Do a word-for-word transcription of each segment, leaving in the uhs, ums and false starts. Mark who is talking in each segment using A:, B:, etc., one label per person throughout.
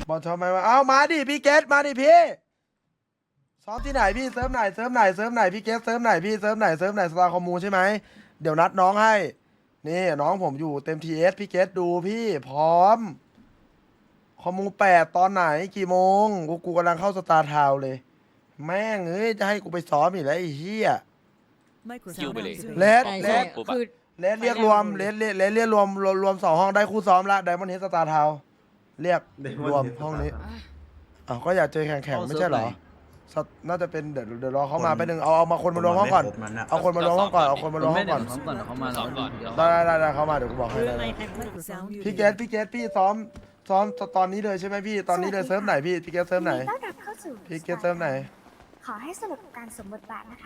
A: บอลชอบไหมวะเอามาดิพี่เกตมาดิพี่ซ้อมที่ไหนพี่เซิร์ฟไหนเซิร์ฟไหนเซิร์ฟไหนพี่เกตเซิร์ฟไหนพี่เซิร์ฟไหนเซิร์ฟไหนสตาร์คอมมูใช่ไหมเดี๋ยวนัดน้องให้นี่น้องผมอยู่เต็มทีเอสพี่เกตดูพี่พร้อมคอมมูแปดตอนไหนกี่โมงกูกูกำลังเข้าสตาร์ทาวน์เลยแม่งเอ้ยจะให้กูไปซ้อมอีกแล้วไอ้เหี้ย
B: คิวไปเลย
A: เลส
C: ใช่
A: เล
C: ใช่
A: ส
B: ปุ๊บ
C: คือ
A: เลสเรียกรวมเลสเลสเลสเรียกรวมรวมรวมสองห้องได้คู่ซ้อมละไดมอนด์เฮดสตาร์ทาวน์เรียกรวมห้องนี้อ้าวก็อยากเจอแข่งแข่งไม่ใช่เหรอสตน่าจะเป็นเดี๋ยวเดี๋ยวรอเขามาไปหนึ่งเอาเอามาคนมารวมห้องก่อนเอาคนมารวมห้องก่อนเอาคนมารวมห้องก่อน
D: เขาก่อนเขามา
B: ซ้อมก่อน
A: ได้ได้ได้ได้เขามาเดี๋ยวกูบอกให้
C: คือ
A: ได้
C: ใน
A: ได้
C: แข่งขัน
A: พี่เกสพี่เกสพี่ซ้อมซ้อมตอนนี้เลยใช่ไหมพี่ตอนนี้เลยเซิร์ฟไหนพี่พี่เกสเซิร์ฟไหน
E: ต้อนรับเข้าสู่
A: พี่เกสเซิร์ฟไหน
E: ขอให้สนุกกับการสวมบทบาทนะคะ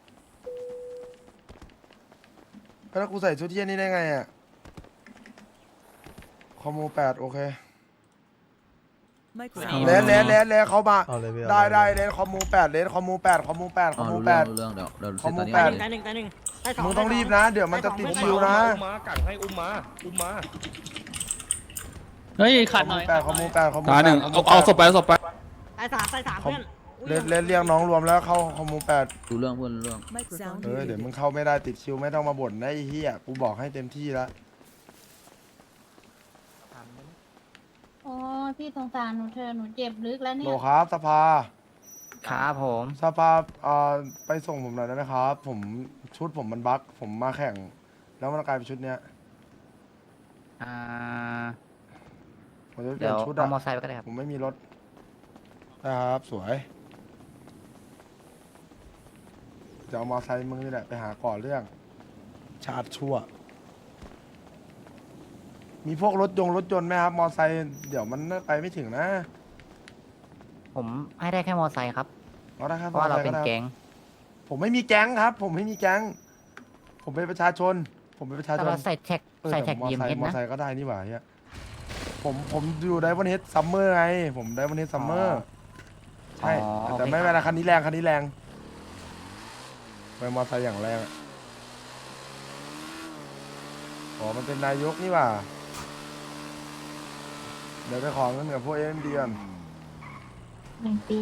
A: แล้วกูใส่ชุดเที่ยนี่ได้ไงอ่ะคอมมูแปดโอเคเลนเลนเลนเลนเขามาได้ได้เลนคอมมูแปดเลนคอมมูแปดคอมมูแปดคอมมู
D: รู้
A: แป
D: เรื่อ
A: ด
D: งรู้เรื่องเดี๋ยวเดี๋ยว
A: คอมมู
D: ตอนนี้
A: แปด
C: ตายหนึ่งตายหนึ่งตายสอง
A: มึงต้องรีบนะ เดี๋ยวมันจะติดคิวนะ
B: อุ้มมากัดให้อุ้มมาอุ้มมา
D: เฮ้ย
A: ค
D: ขั
A: อ
D: ด
A: ม
D: หน่
A: มู
D: อย
A: แปดคอมมูแปดคอมมู
F: ตา
A: แป
F: หนึ่
A: ด
F: งเอาเอาศพไปเอาศพไป
C: ตายสามตายสามเพื่อน
A: เลนเลนเรียกน้องรวมแล้วเข้าคอมมูแปด
D: รู้เรื่องเพื่อนรู้เรื่อง
A: เออเดี๋ยวมึงเข้าไม่ได้ติดคิวไม่ต้องมาบ่นนะไอ้เหี้ยกูบอกให้เต็มที่แล้ว
G: โอ้ยพี่สงสารหนูเธอะหนูเจ็บลึกแล้ว
A: โห
G: เนี่
A: ล
G: ย
A: ครับสภา
D: ครับผม
A: สภาเอ่อไปส่งผมหน่อยได้ไหมครับ ผมชุดผมมันบั๊กผมมาแข่ง แล้วมันกลายเป็นชุดเนี้ย
D: อ่า
A: ผมจะเปลี่
D: เดี๋
A: ย
D: ย
A: น
D: ว
A: ชุด
D: เอา
A: อะ
D: มอไซค์ไปก็ได้ครับ
A: ผมไม่มีรถนะครับสวยจะเอามอไซค์มึงนี่แหละไปหาก่อนเรื่อง ชาติชั่ว มีพวกรถยงรถยนต์ไหมครับ มอไซค์เดี๋ยวมันไปไม่ถึงนะ
D: ผมให้ได้แค่มอไซค์ครับ
A: เอาได้ครับ
D: เพราะว่าเราเป็น
A: มอไซค์
D: แก๊ง
A: ผมไม่มีแก๊งครับ ผมไม่มีแก๊ง ผมเป็นประชาชน ผมเป็นประชาช
D: แต่
A: น
D: เราใส่แท็ก
A: เออ
D: ใส่
A: แต่
D: แท็ก
A: มอ
D: ยีม
A: ไซ
D: เอ
A: ค์
D: ส
A: มอ
D: นะ
A: ไซค์ก็ได้นี่หว่าเฮียผมผมอยู่ไดวันเฮดซัมเมอร์ไง ผมไดวันเฮดซัมเมอร์ใช่
D: อ๋อ
A: แต่
D: โอเค
A: ไม่เป็นไรคันนี้แรงคันนี้แรงไปมอไซค์อย่างแรงอะอ๋อมันเป็นนายกนี่หว่า เดี๋ยวไปขอเงินกับพวกเอ็มดีก่อน
G: หนึ่งปี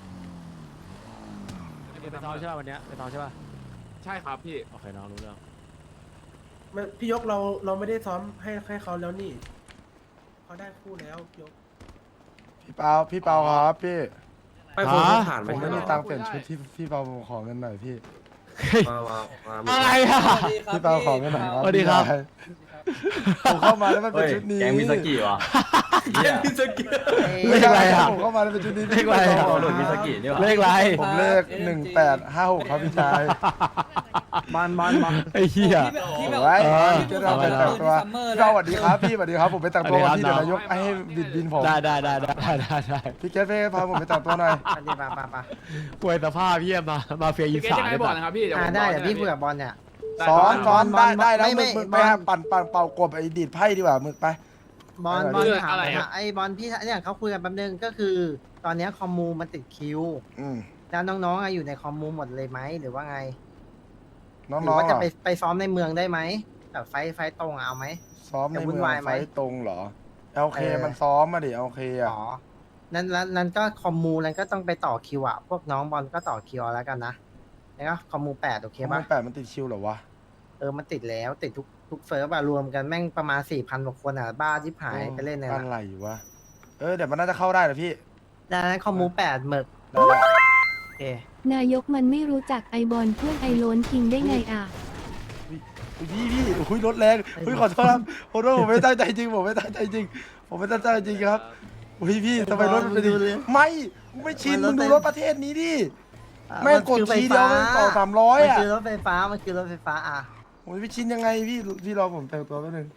H: ไปซ้อมใช่ป่ะวันเนี้ยไปซ้อมใช่ป่ะ
B: ใช่ครับพี่
H: โอเคน้องรู้เรื่อง
I: ไม่พี่ยกเราเราไม่ได้ซ้อมให้ให้เขาแล้วนี่เขาได้คู่แล้วพี่ยก
A: พี่เปาพี่เปาครับพี่
B: ไปโฟนผ่าน
A: ผ
B: ไป
A: มไม่มีตังค์เปลี่ยนชุดที่พี่เปาขอเงินหน่อยพี่
B: มามามา
F: อะไรอ่ะ
A: พี่เปาขอเงินหน่อยครับ
F: สวัสดีครับ
A: พี่ชายผมเข้ามาแล้วมันเป็นชุดนี้
B: แกงมิสกิวะแกงมิสกิ
A: ไม่ใช่ผมเข้ามาแล้วเป็นชุดนี้
F: เลขอะไรอ่ะ
B: หลุดมิสกินี่วะ
F: เลขอะไร
A: ผมเลขหนึ่งแปดห้าหกครับพี่ชาย
D: บอลบอลบอล
F: ไอ้เหี้ย
A: โอ้ย
F: เออ
A: จะเราไปแต่งตัวพี่เปาสวัสดีครับพี่สวัสดีครับผมไปแต่งตัววันที่เดี๋ยวนายกให้บิดบินผม
F: ได้ได้ได้ได้ได้ได้
A: พี่เกสเฟ่พาผมไปแต่งตัวหน่อย
D: ไปดิไปไป
F: ป่วยสภาพเหี้ยมามาเฟียอีสาน
B: บอลนะครับพี่
D: อ่าได้เดี๋ยวพี่คุยกับบอลเนี่ย
A: ซ้อนซ้อน
D: บอ
A: ได้
D: ล
A: ได้แล้ว
D: ไม่
A: มึ
D: ไม่
A: กมึกไป
D: บอล
A: หาปั่นปั่นเป่ากบไอ้ดีดไพ่ดีกว่ามึกไป
D: บอล
A: อะไร
D: บอล
B: เรื่อง
D: ถาม
B: อะไร
D: หน่อย
B: อะ
D: นะไอ้บอลพี่เนี่ยเขาคุยกันแป๊บนึงก็คือ ตอนเนี้ยคอมมูมันติดคิว
A: อืม
D: แล้วน้องๆอะอยู่ในคอมมูหมดเลยไหมหรือว่าไง
A: น้
D: หรือ
A: อง
D: ว่า
A: ๆ
D: จะ
A: อ่ะ
D: ไปไปซ้อมในเมืองได้ไหมแบบไฟท์ไฟท์ตรงอะเอาไหม
A: ซ้อมใน
D: จะวุ่
A: เมื
D: น
A: อง
D: วายไหม
A: ไฟตรงเหรอโอเค
D: เออ
A: มันซ้อมมาดิโอเคอ่ะ
D: อ๋อนั้นนั้นนั้นก็คอมมูนั้นก็ต้องไปต่อคิวอะพวกน้องบอลก็ต่อคิวเอาแล้วกันนะแล้วก็คอมมูแปดโอเค
A: เค
D: ปะ
A: มันแปดมันติดคิวเหรอวะ
D: เออมันติดแล้วติดทุกทุกเฟิร์ฟอะรวมกันแม่งประมาณสี่พันกว่าคนอะบ้าที่หายไปเล่นเนี่ย
A: อะ
D: นะ
A: ไรวะเออเดี๋ยวมันน่าจะเข้าได้เหรอพี่
D: ดังนั้นคอมมูแปดหมึก
A: ได้ได้
D: โอเคน
G: ายกมันไม่รู้จักไอบอลเพื่อนไอโลนคิงได้ไงอ่ะ
A: อุ๊ยพี่พี่อุ้ยรถแรงอุ้ยขอโทษครับขอโทษผมไม่ตั้งใจจริงผมไม่ตั้งใจจริง ผมไม่ตั้งใจจริงครับอุ้ยพี่ทำไมรถมันเป็นอย่างนี้ไม่กูไม่ชินมึงดูรถประเทศนี้ดิแม่งกดทีเดียวแม่งต่อสามร้อย
D: มัน
A: อ่ะ
D: คือรถไฟฟ้ามันคือรถไฟฟ้าอ่ะ
A: ผมจะไปชินยังไงพี่พี่รอผมแต่งตัวแป๊บนึง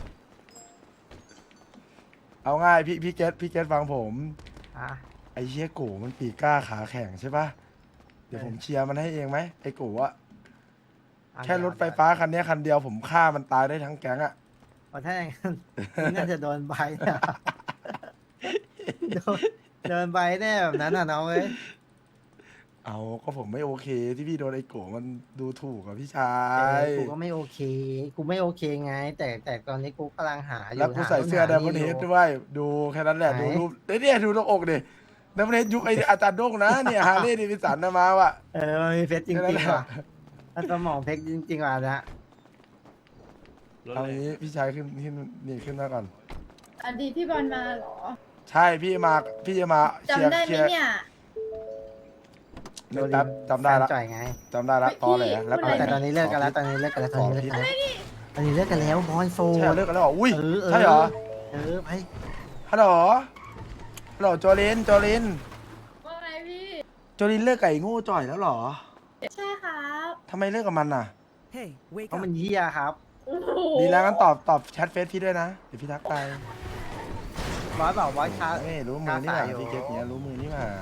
A: เอาง่ายพี่พี่เกตพี่เกตฟังผม
D: อ่ะ
A: ไอ้เชี่ยโกมันปีกกล้าขาแข็งใช่ปะเดี๋ยวผมเชียร์มันให้เองไหมไอ้โกอะ
D: อ่ะ
A: แค่รถไฟฟ้าคันนี้คันเดียวผมฆ่ามันตายได้ทั้งแก๊งอะ
D: โอ้ถ้าอย่างนั้นนี่น่าจะโดนใบเนี่ยโดนโดนใบแน่แบบนั้นอ่ะน้องเอ้ย
A: เอาก็ผมไม่โอเคที่พี่โดนไอ้โกมันดูถูกกับพี่ชา
D: เอย อกูก็ไม่โอเค กูไม่โอเคไง แต่แต่ตอนนี้กูกำลังหาอยู่
A: แล้วกูใส่เสื้อ
D: หา
A: ไดมอนด์เฮดด้วยดูแค่นั้นแหละ
D: ไหน
A: ดูรูปเอ้ยเนี่ยดูตรงอกดิไดมอนด์เฮดยุคไออาจารย์โด้งนะเนี่ยฮาร์เลย์ดิวิสันนะมาว่ะ
D: เออมันมีเพชรจ
A: แค่นั้
D: ริ
A: น
D: ง
A: แหละ
D: ๆว่ะแล้วสมองเพชรจริงๆว่ะนะ
A: เอางี้พี่ชายขึ้นขึ้นนี่ขึ้นมาก่อน
G: อดีตพี่บอลมาเหรอ
A: ใช่พี่มาพี่จะมาเชียร์
G: จำได้ไหม
A: เชียร์
G: เนี่ย
A: ในแป๊บจำได้ละ
D: แฟนจ่อยไง
A: จำได้ละ
G: ไม่
A: ตอแหล
G: พี่
A: แล้ว
G: พูดอะไร
D: แต่ตอนนี้เลิกกันแล้ว ตอนนี้เลิกกันแล้ว ตอนนี้เลิกกันแล้วตอนนี้เลิกกันแล้วบอลโซ
A: ใช่เลิกกันแล้วเหรออุ้ย
D: เออเออ
A: ใช่เหรอ
D: เออไป
A: ฮัลโหลฮัลโหลโจลินโจลิน
G: ว่าไงพี่
A: โจลินเลิกไก่โง่จ่อยแล้วเหรอ
G: ใช่ครับ
A: ทำไมเลิกกับมันน่ะ
D: เพราะมันเฮียครับ
G: โอ้โห
A: ดีแล้วงั้นตอบตอบแชทเฟซพี่ด้วยนะเดี๋ยวพี่ทักไป
D: บอสบอกว่าชา
A: ไม่รู้มือนี่หว่า
D: กล้าสายอยู่
A: พี่เก็บเนี้ยรู้มือนี่หว่า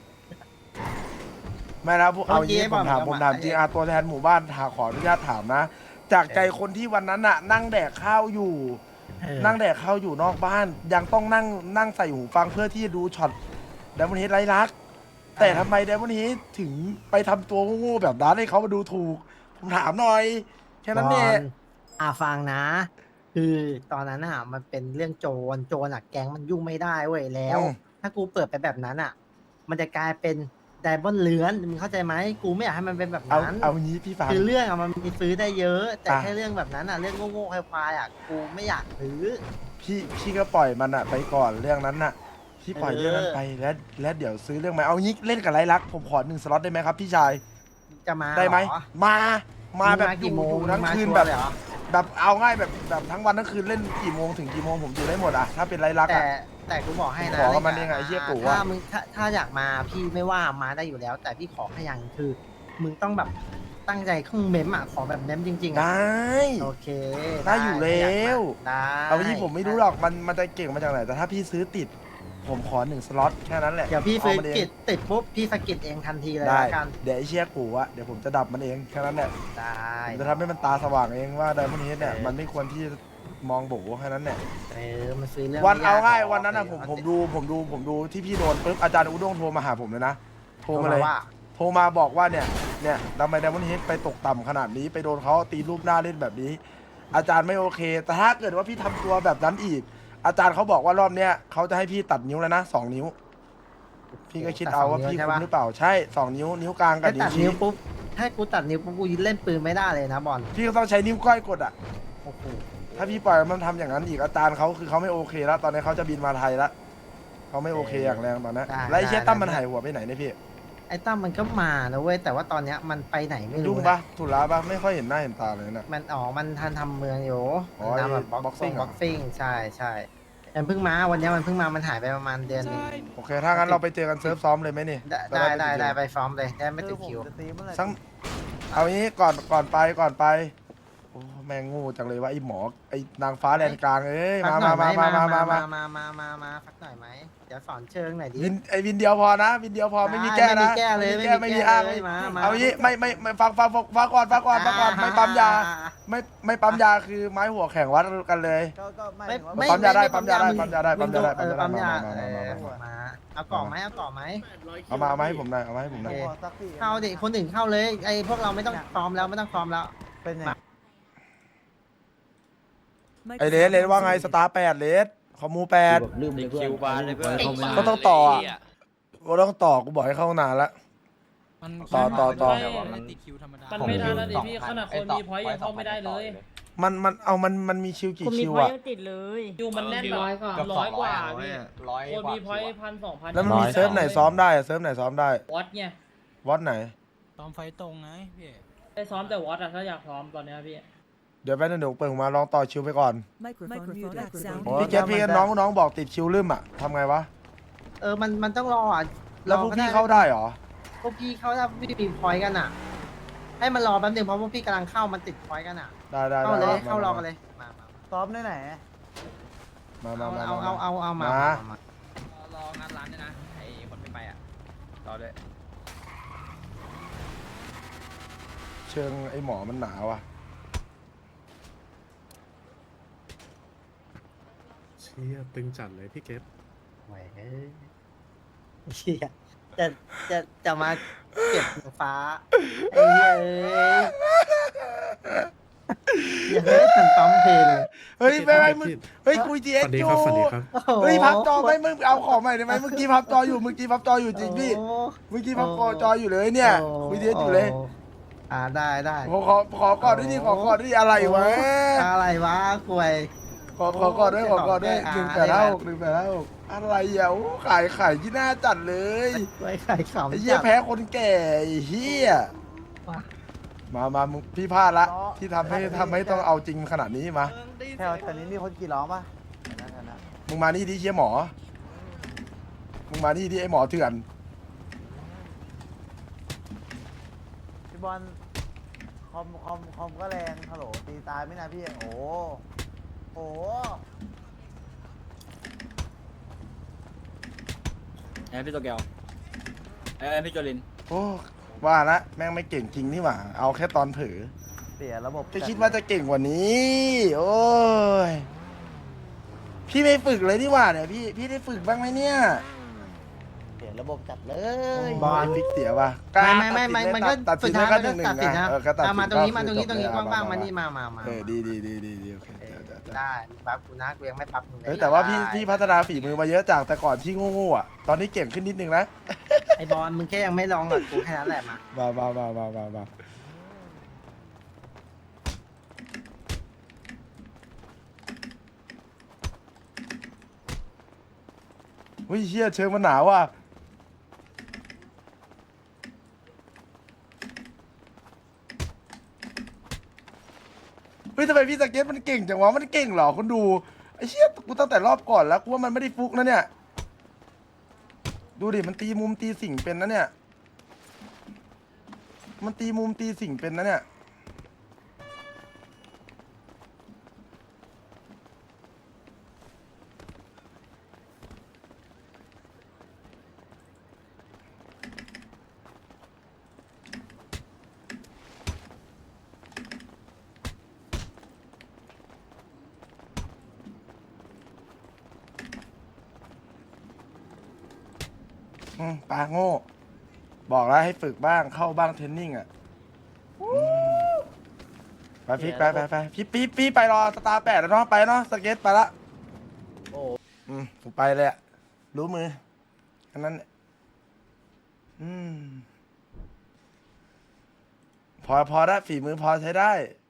A: ไม่นะพวกเอาอย่างนี้
D: เมื่
A: ผ
D: อกี้
A: มถาม
D: บอก
A: ผม
D: ว่า
A: ถามจริงอาตัวแทนหมู่บ้านถาขออนุญาตถามนะ จากใจคนที่วันนั้นน่ะ นั่งแดกข้าวอยู่
D: เออ
A: นั่งแดกข้าวอยู่นอกบ้าน ยังต้องนั่งนั่งใส่หูฟังเพื่อที่จะดูช็อตไดมอนด์เฮดไร้รัก แต่ทำไมไดมอนด์เฮดถึงไปทำตัวโง่ๆแบบนั้นให้เขามาดูถูก ผมถามหน่อย แค่นั้นเนี่ย
D: บอลอ่าฟังนะ คือตอนนั้นอ่ะ มันเป็นเรื่องโจร โจรอ่ะแก๊งมันยุ่งไม่ได้เว้ยแล้ว
A: อืม
D: ถ้ากูเปิดไปแบบนั้นอ่ะ มันจะกลายเป็นไดมอนด์เลื้อนมึงเข้าใจไหมกูไม่อยากให้มันเป็นแบบ
A: เอา
D: นั้น
A: เอางี้พี่ฟัง
D: คือเรื่องอ่ะมันมีซื้อได้เยอะ แต่
A: อ่ะ
D: แค่เรื่องแบบนั้นอ่ะ เรื่องโง่ๆควายๆอ่ะกูไม่อยากซื้อ
A: พี่พี่ก็ปล่อยมันอะไปก่อนเรื่องนั้นน่ะ พี่ปล่อย
D: เออ
A: เรื่องนั้นไปแล้วแล้วเดี๋ยวซื้อเรื่องใหม่เอางี้เล่นกับไรลักษณ์ผมขอหนึ่งสล็อตได้ไหมครับพี่ชาย
D: จะมา
A: ได้ไหม
D: เรอ
A: มามาแบบ
D: ง
A: อ
D: กี่
A: ยู่
D: โมง
A: อยู่ทั้ง
D: มึมา
A: คืน
D: ชัว
A: แบ
D: ร์
A: บ
D: เลยเหรอ
A: แบบเอาง่ายแบบแบบทั้งวันทั้งคืนเล่นกี่โมงถึงกี่โมงผมอยู่ได้หมดอะถ้าเป็นไรลักษณ์
D: แต่
A: อะ
D: แต่กูบอกให้นะ
A: ขอกับมันเองอะไอ้เหี้ยกูอะ
D: ถ้ามึงถ้าถ้าอยากมาพี่ไม่ว่ามาได้อยู่แล้ว แต่พี่ขอแค่อย่างคือ มึงต้องแบบตั้งใจข้องเมมอ่ะขอแบบเมมจริงๆ
A: ได
D: อ่ะ
A: ้
D: โอเค
A: ได้อยู่แล้ว
D: ได้
A: เอาที่ผมไม่รู้หรอกมันมันจะเก่งมาจากไหนแต่ถ้าพี่ซื้อติด ผมขอหนึ่งสล็อตแค่นั้นแหละ
D: เดี๋ยวพี่
A: อา
D: ซื้อ
A: มันเอง
D: กิจติดปุ๊บพี่สกิดเองทันทีเลย
A: ได้
D: ละกัน
A: เดี๋ยวไอ้เชี่ยกูอะเดี๋ยวผมจะดับมันเองแค่นั้นแหละ
D: ได้
A: ผมจะทำให้มันตาสว่างเองว่าไดมอนด์เฮดเนี่ย
D: เออ
A: มันไม่ควรที่จะมองโบแค่นั้นแหละ
D: เออมันซื้อเรื่อง
A: วัน
D: ไม่
A: เอา
D: ก
A: ง่าย
D: หรก
A: วันนั้นอะผมผมดูผมดูผมดูที่พี่โดนปุ๊บอาจารย์อุด้งโทรมาหาผมเลยนะโทรมาเลย
D: ว่า
A: โทรมาบอกว่าเนี่ยเนี่ยทำไมไดมอนด์เฮดไปตกต่ำขนาดนี้ไปโดนเขาตีรูปหน้าเล่นแบบนี้ อาจารย์ไม่โอเค แต่ถ้าเกิดว่าพี่ทำตัวแบบนั้นอีก อาจารย์เขาบอกว่ารอบเนี้ยเขาจะให้พี่ตัดนิ้วแล้วนะสองนิ้ว พี่ก็คิดเอาว่าพี่คุ้มหรือเปล่าใช่สองนิ้วนิ้วกลางกับ
D: ถ้า
A: นิ้
D: ตั
A: ว
D: ด
A: ชี้
D: นิ้วปุ๊บถ้ากูตัดนิ้วปุ๊บกูเล่นปืนไม่ได้เลยนะบอล
A: พี่ก็ต้องใช้นิ้วก้อยกดอ่ะ
D: โอ้โห
A: ถ้าพี่ปล่อยมันทำอย่างนั้นอีกอาจารย์เขาคือเขาไม่โอเคแล้ว ตอนนี้เขาจะบินมาไทยแล้วเขาไม่โอเคอย่างแรงตอนนี้แล้วไอ้เชี่ยตั้มมันหายหัวไปไหนเนี่ยพี่
D: ไอ้ตั้มมันก็มานะเว้ยแต่ว่าตอนเนี้ยมันไปไหนไม่รู้
A: ยุ่ง
D: นะ
A: ปะธุระปะไม่ค่อยเห็นหน้าเห็นตาเลยนะ
D: มันอ๋อมันทันทำเมืองอยู่
A: อ๋อ
D: มันทำแบบ
A: ไอ้
D: บ็อกซิ่ง
A: boxing เหรอ
D: บ็อกซิ่งใช่ใช่มันเพิ่งมาวันเนี้ยมันเพิ่งมามันหายไปประมาณเดือนหนึง
A: โอเค ถ้างั้นเราไปเจอกันเซิร์ฟซ้อมเลยไหมนี่
D: ได้ได้ได้ได้ไปซ้อมเลยได้ไม่ติดคิว
A: สังเอางี้ก่อนก่อนไปก่อนไปโอ้แม่งโงูจังเลยว่าไอ้หมอไอ้นางฟ้าแดนกลางเอ้ย
D: พั
A: มาก
D: หน่
A: มา
D: อยไห
A: มามามามา
D: มามามามาพักหน่อยไหมเดี๋ยวสอนเชิงหน่อยดิ
A: วินไอ้วินเดียวพอนะ วินเดียวพอไม่มีแก้
D: ไม่มี
A: นะ
D: แก้เลย
A: ไม่มีแก้
D: ไม่
A: ไม่
D: มี
A: มี
D: แก้
A: อ้าง
D: เลยมามา
A: เอางี้ไม่ไม่ไม่ฟังฟังฟังฟังก่อนฟังก่อนฟังก่อนไม่ปั๊มยา ไม่ไม่ปั๊มยาคือไม้หัวแข่งวัดกันเลย
D: ไม่ไม่
A: ปั๊มยาได้
D: ไม่
A: ปั๊มยาได้
D: มึง
A: ปั๊มยาได้ปั๊มยาได้
D: เออ
A: ปั๊
D: ปั๊
A: ม
D: ม
A: ยาย
D: า
A: ได้
D: เออ
A: มามามามา
D: มาเอากล่องไหมเอากล่องไหม
A: เอามาเอามาให้ผมหน่อยเอามาให้ผมหน่อย
D: เข้าดิคนอื่นเข้าเลยไอ้พวกเราไม่ต้องซ้อมแล้วไม่ต้องซ้อมแล้ว
J: เป็นไง
A: ไอเลสเลสว่าไงสตาร์แปดเลสคอมมูแปด
J: ลืมเลยเพื่อนคิวบาร์เลยเพื่อน
A: ก็ต้องต่ออ่ะก็ต้องต่อกูบอกให้เข้านานละ ต่อต่อต่อ
C: มันไม่ได้แล้วดิพี่ขนาดคนมีพอยต์ยังเข้าไม่ได้เลย
A: มันมันเอามันมันมีคิวกี่
C: คุณมี
A: คิว
C: พอย
A: อ่ะ
C: ต์ยังติดเลยอยู่มันแน่นแบบร้อยกว่าร้อยกว่าพี่
J: ร้อย
C: คนมีพอยต์พันสองพัน
A: แล้วมันมีเซิร์ฟไหนซ้อมได้อะเซิร์ฟไหนซ้อมได้
C: วอตไง
A: วัดไหน
J: ตอมไฟตรงไงพี่
C: ได้ซ้อมแต่วอตอะถ้าอยากซ้อมตอนเนี้ยพี่
A: เดี๋ยวแป๊บนึงเดี๋ยวเปิดมาลองต่อคิวไปก่อน
K: Microphone muted.
A: พี่เกตพี่น้องน้องบอกติดคิวลืมอ่ะทำไงวะ
D: เออมันมันต้องรออ่ะ
A: แล้วพวก
D: รอ
A: พี่เข้าได้เหรอ
D: พวกพี่เข้าได้พี่มีพอยต์กันอ่ะ ให้มันรอแป๊บนึงเพราะพวกพี่กำลังเข้ามันติดพอยต์กันอ่ะ
A: ได้ได้
D: เข้าเลย
A: ได้
D: เข้ารอกันเลยมามา
J: ซ้อมได้ไหน
A: มามา
D: เอา
A: มา
D: เอาเอาเอาเอามา
A: มา
D: มา
J: รองานร้านด้วยนะไอ้คนไม่ไปอ่ะรอด้วย
A: เชิงไอ้หมอมันหนาวอ่ะ
I: เชี่ยตึงจัดเลยพี่เกต
D: ไหวเอ้ยเชี่ยจะจะจะมาเก็บหนูฟ้าไอ้เหี้ยเอ้ยอย่าให้ทันปั๊มเพลงเลย
A: เฮ้ยไม่ไม่มึงเฮ้ยคุยจีเอสอยู่
D: โอ้โห
A: เฮ้ยพับจอไม่มึงเอาของใหม่ได้ไหมเมื่อกี้พับจออยู่เมื่อกี้พับจออยู่จริงพี่
D: โอ้
A: เมื่อกี้พับจออยู่เลยเนี่ยคุยจีเอสอยู่เลย
D: อ่าได้ได้
A: ขอขอขอก่อนด้วยดิขอก่อนด้วยดิอะไรวะ
D: อะไรวะกวย
A: ขอขอก่อนด้วยขอก่อนด้วย
D: อ่า
A: หนึ่งแปดห้าหกหนึ่งแปดห้าหกอะไรอ่ะโอ้ขายขายที่หน้าจัดเลย
D: กวยไข่ขำ
A: ไอ้เหี้ย
D: จัด
A: แพ้คนแก่ไอ้เหี้ย
D: ว่ะ
A: มามามึงพี่พลาดละที่ทำให้ทำให้ต้องเอาจริงขนาดนี้มา
D: แถวแถวนี้มีคนกี่ล้อป่ะ
A: มึงมานี่ดิเชี่ยหมอมึงมานี่ดิไอ้หมอเถื่อน
D: พี่บอลคอมคอมคอมก็แรงฮัลโหลตีตายไม่นะพี่โอ้โห
J: ไอ้พี่โตเกียวไอ้พี่โจลิน
A: โอ้ว่าละแม่งไม่เก่งจริงนี่หว่าเอาแค่ตอนเผลอ
D: เสียระบบ
A: จะคิดว่าจะเก่งกว่านี้ โอ้ย พี่ไม่ฝึกเลยนี่หว่าเนี่ยพี่ พี่ได้ฝึกบ้างไหมเนี่ย
D: เสียระบบจัดเลย
A: บอลฟิกเสียว่ะ
D: ไม่ไม่ไม่ไม่มันก็
A: ตัด
D: สุ
A: สิ
D: ด
A: น
D: ท้าย
A: ได้
D: มัน
A: แค่
D: ก็
A: หนึ่งหนึ่ง
D: ตัดสิน
A: นะ
D: นะ
A: เออแค่ตัดสิน
D: เอามาตรงนี้มาตรงนี้
A: ก็
D: ตรงนี้
A: คือจบ
D: ว่างๆ
A: แล้ว
D: มานี่มามามา
A: เออดีดีดีดีดีโอเคเดี๋ยวเดี๋ยวเดี๋ยว
D: ได้ปั๊บกูนะกูยังไม่ปั๊บมึงเลย
A: เฮ้ยแต่ว่าพี่พี่พัฒนาฝีมือมาเยอะจากแต่ก่อนที่โง่ๆอ่ะ ตอนนี้เก่งขึ้นนิดนึงนะ
D: ไอบอลมึงแค่ยังไม่ลองกับกูแค่นั้นแหละมา
A: มามามามามามาเฮ้ยเชี่ยเชิงมันหนาวว่ะ เฮ้ยทำไมพี่สเก็ตมันเก่งจังวะมันเก่งเหรอคนดูไอ้เชี่ยกูตั้งแต่รอบก่อนแล้วกูว่ามันไม่ได้ฟุกนะเนี่ยดูดิมันตีมุมตีสิ่งเป็นนะเนี่ยมันตีมุมตีสิ่งเป็นนะเนี่ยอืมปลาโง่บอกแล้วให้ฝึกบ้างเข้าบ้างเทรนนิ่งอ่ะอืมไปพี่ไปไปไปพี่พี่พี่ไปรอสตาร์แปดแล้วเนาะไปเนาะสเก็ตไปละโอ้อืมผมไปเลยอะรู้มืออันนั้นเนี่ยอืมพอพอได้ฝีมือพอใช้ได้